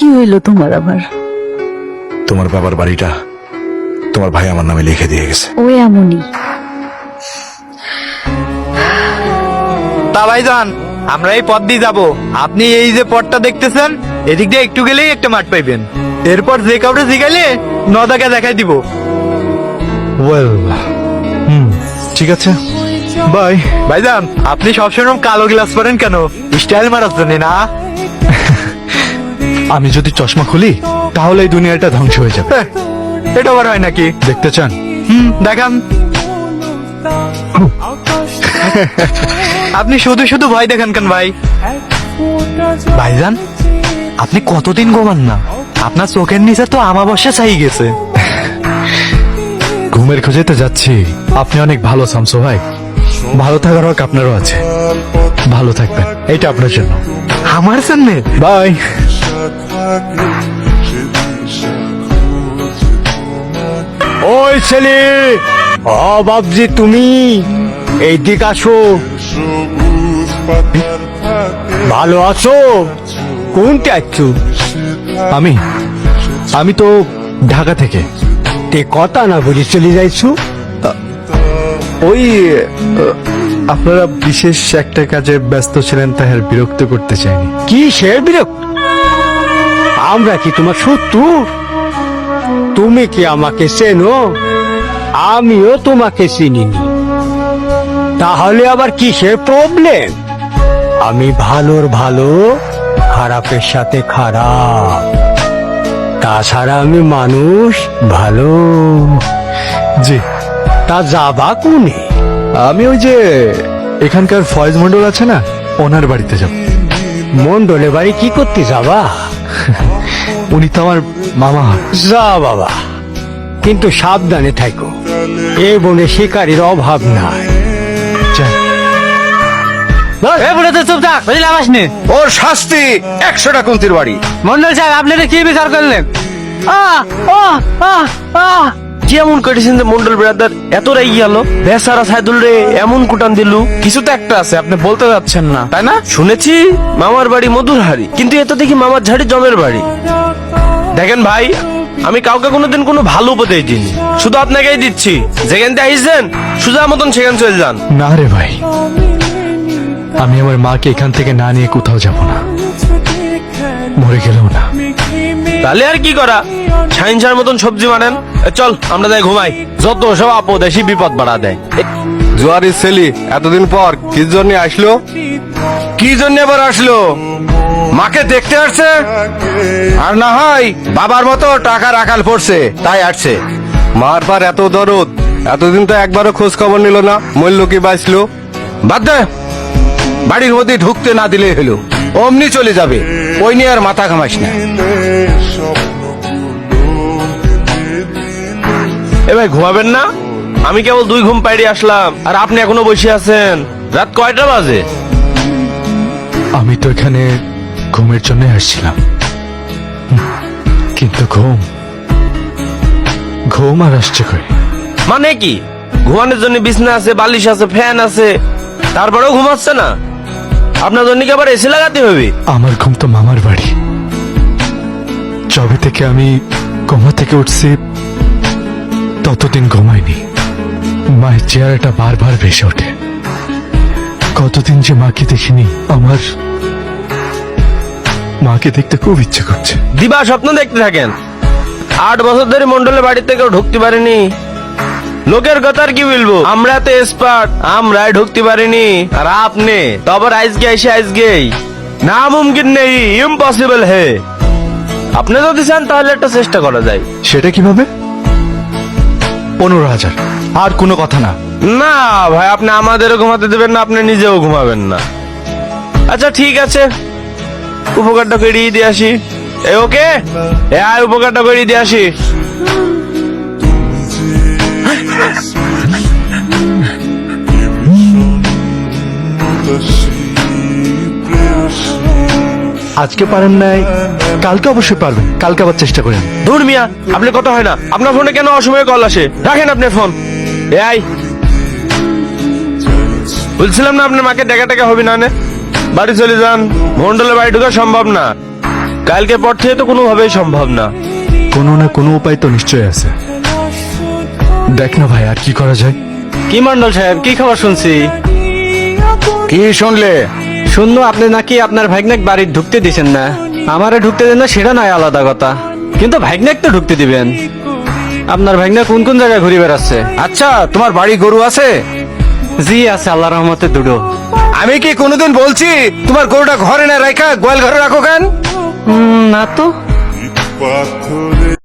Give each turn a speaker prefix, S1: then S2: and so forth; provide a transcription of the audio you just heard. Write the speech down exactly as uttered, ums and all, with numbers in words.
S1: হইল তোমার আবার?
S2: তোমার বাবার বাড়িটা তোমার ভাই আমার নামে লিখে দিয়ে গেছে।
S1: ও এমনই।
S3: তা ভাইজান, আমরা এই পথ দিয়ে যাবো। আপনি এই যে পথটা দেখতেছেন, এদিক দিয়ে একটু গেলেই একটা মাঠ পাইবেন। এরপর যে কাউকে জিগাইলে নদাকে দেখাই দিব।
S2: ওয়েল, হুম, ঠিক আছে, বাই।
S3: ভাইজান, আপনি সবসময় কালো গ্লাস পরেন কেন? স্টাইল মারার জন্য না?
S2: আমি যদি চশমা খুলি তাহলে এই দুনিয়াটা ধ্বংস হয়ে যাবে।
S3: হ্যাঁ, এটা আবার হয় নাকি?
S2: দেখতে চান?
S3: হুম, দেখান। আপনি শুধু শুধু ভয় দেখান কেন ভাই? ভাইজান, আপনি কতদিন ঘুমান না? আপনার চোখের নিচে তো আমাবস্যা ছাই গেছে।
S2: ঘুমের খোঁজে তো যাচ্ছি। আপনি অনেক ভালো শামসু ভাই। ভালো থাকার হক আপনারও আছে। ভালো থাকবেন, এইটা আপনার জন্য।
S3: আমার সামনে
S2: বাই।
S4: ওই ছেলে, ও বাবজি, তুমি এইদিকে আসো। ভালো আছো? কোনটা আছো?
S2: আমি আমি তো ঢাকা থেকে।
S4: তে কথা না বুঝে চলে যাইছো?
S2: ওই আহ, আপনারা বিশেষ একটা কাজে ব্যস্ত ছিলেন, তাই আর বিরক্ত করতে চাইনি।
S4: কি সে বিরক্ত? আমরা কি তোমার শত্রু? তুমি কি আমাকে চেনো? আমিও তোমাকে চিনিনি। তাহলে আবার কিসের প্রবলেম? আমি ভালোর ভালো, খারাপের সাথে খারাপ। তাছাড়া আমি মানুষ ভালো।
S2: জি,
S4: তা যাবা কোনে?
S2: আমি ওই যে এখানকার ফয়েজ মন্ডল আছে না, ওনার বাড়িতে যাব।
S4: মন্ডলে বাড়ি কি করতে যাবা?
S2: উনি তো আমার মামা হয়।
S4: যা বাবা, কিন্তু সাবধানে থাকো। এ বনে শিকারীর অভাব নাই।
S2: যাই।
S3: চুপ থাক, বুঝলাম আসনি।
S5: ওর শাস্তি একশোটা কুন্তির বাড়ি।
S3: মন্ডল সাহেব, আপনারা কি বিচার করলেন? আহ, আহ, আহ, আহ।
S5: কেমন করেছেন যে মন্ডল ব্রাদার এত রেগে গেল? বেচারা সাইদুল রে এমন কুটান দিল। কিছু তো একটা আছে, আপনি বলতে যাচ্ছেন না, তাই না? শুনেছি মামার বাড়ি মধুরহারি, কিন্তু এত দেখি মামার ঝাড়ি জমের বাড়ি। দেখেন ভাই, আমি কাউকে কোনোদিন কোনো ভালো উপদেশ দিইনি, শুধু আপনাকেই দিচ্ছি। যেখান থেকে আইসেন সুজা মতন সেখান চলে যান।
S2: না রে ভাই, আমি আমার মাকে এখান থেকে না নিয়ে কোথাও যাব না, মরে গেলেও না।
S5: তাহলে আর কি করা? সাইন্সার মতন সবজি মানেন। এ চল আমরা যাই ঘুমাই। যত সব আপদ এসে বিপদ বাড়া দেয়।
S6: জোয়ারি ছেলি এতদিন পর কি জন্য আসলো?
S5: কি জন্য আবার আসলো?
S6: মাকে দেখতে আসছে, আর না হয় বাবার মতো টাকা রাখাল পড়ছে তাই আসছে। মার পার এত দরদ, এতদিন তো একবারও খোঁজ খবর নিল না, মূল্য কি বাঁচলো। বাদ দে, বাড়ির মধ্যে ঢুকতে না দিলে হলো, অমনি চলে যাবে। ওই নিয়ে আর মাথা ঘামাইস না।
S5: এ ভাই, ঘুমাবেন না? আমি কেবল দুই ঘুম পাইড়ে আসলাম, আর আপনি এখনো বসে আছেন। রাত কয়টা বাজে?
S2: আমি তো এখানে ঘুমের জন্য আসছিলাম, হুম, কিন্তু ঘুম ঘুম আর আসছে কই?
S5: মানে কি? ঘুমানোর জন্য বিছনা আছে, বালিশ আছে, ফ্যান আছে, তারপরেও ঘুমাচ্ছে না? আপনার জন্য কি আবার এসি লাগাতে হবে?
S2: আমার ঘুম তো মামার বাড়ি। যবে থেকে আমি কোমা থেকে উঠছি ততদিন ঘুমাইনি। মায়ের চেহারাটা বারবার ভেসে ওঠে। কতদিন যে মাকে দেখিনি। আমার মাকে দেখতে খুব ইচ্ছে করছে।
S5: দিবা স্বপ্ন দেখতে থাকেন। আট বছর ধরে মন্ডলের বাড়িতে কেউ ঢুকতে পারেনি। লোকের কথা আর কি বলবো? আমরা তো এক্সপার্ট, আমরাই ঢুকতে পারিনি, আর আপনি তো আবার আজকে এসে আজকেই। না মুমকিন নেই, ইম্পসিবল হে। আপনি যদি চান তাহলে একটা চেষ্টা করা যায়।
S2: সেটা কিভাবে? পনেরো হাজার, আর কোনো কথা না।
S5: না ভাই, আপনি আমাদেরও ঘুমাতে দেবেন না, আপনি নিজেও ঘুমাবেন না। আচ্ছা ঠিক আছে, উপকারটা করিয়ে দিয়ে আসি। এ ওকে, এ আয় উপকারটা করিয়ে দিয়ে আসি।
S2: আজকে পারেন নাই, কালকে অবশ্যই পারবেন। কালকে আবার চেষ্টা করেন।
S5: ধুর মিয়া, আপনি কথা হয় না। আপনার ফোনে কেন অসময়ে কল আসে? রাখেন আপনার ফোন। এ আই, বলছিলাম না আপনার মাকে দেখা টেকা হবে না, নে বাড়ি চলে যান। মন্ডলের বাড়ি ঢোকা সম্ভব না। কালকে পর থেকে তো কোনোভাবেই সম্ভব না।
S2: কোনো না কোনো উপায় তো নিশ্চয়ই আছে। দেখ না ভাই, আর কি করা যায়?
S1: কি মন্ডল সাহেব, কি খবর শুনছি?
S6: কি শুনলে?
S1: শুনলো আপনি নাকি আপনার ভাগ্নেক বাড়ি ঢুকতে দিছেন না। আমারে ঢুকতে দেন না সেটা নয় আলাদা কথা, কিন্তু ভাগ্নেক তো ঢুকতে দিবেন। আপনার ভাগ্নে কোন কোন জায়গায় ঘুরে বেড়াচ্ছে?
S6: আচ্ছা, তোমার বাড়ি গরু আছে?
S1: জি আছে, আল্লাহ রহমতে দুটো।
S6: আমি কি কোনোদিন বলছি তোমার গরুটা ঘরে না রাখা গোয়াল ঘরে রাখো কেন?
S1: উম, না তো।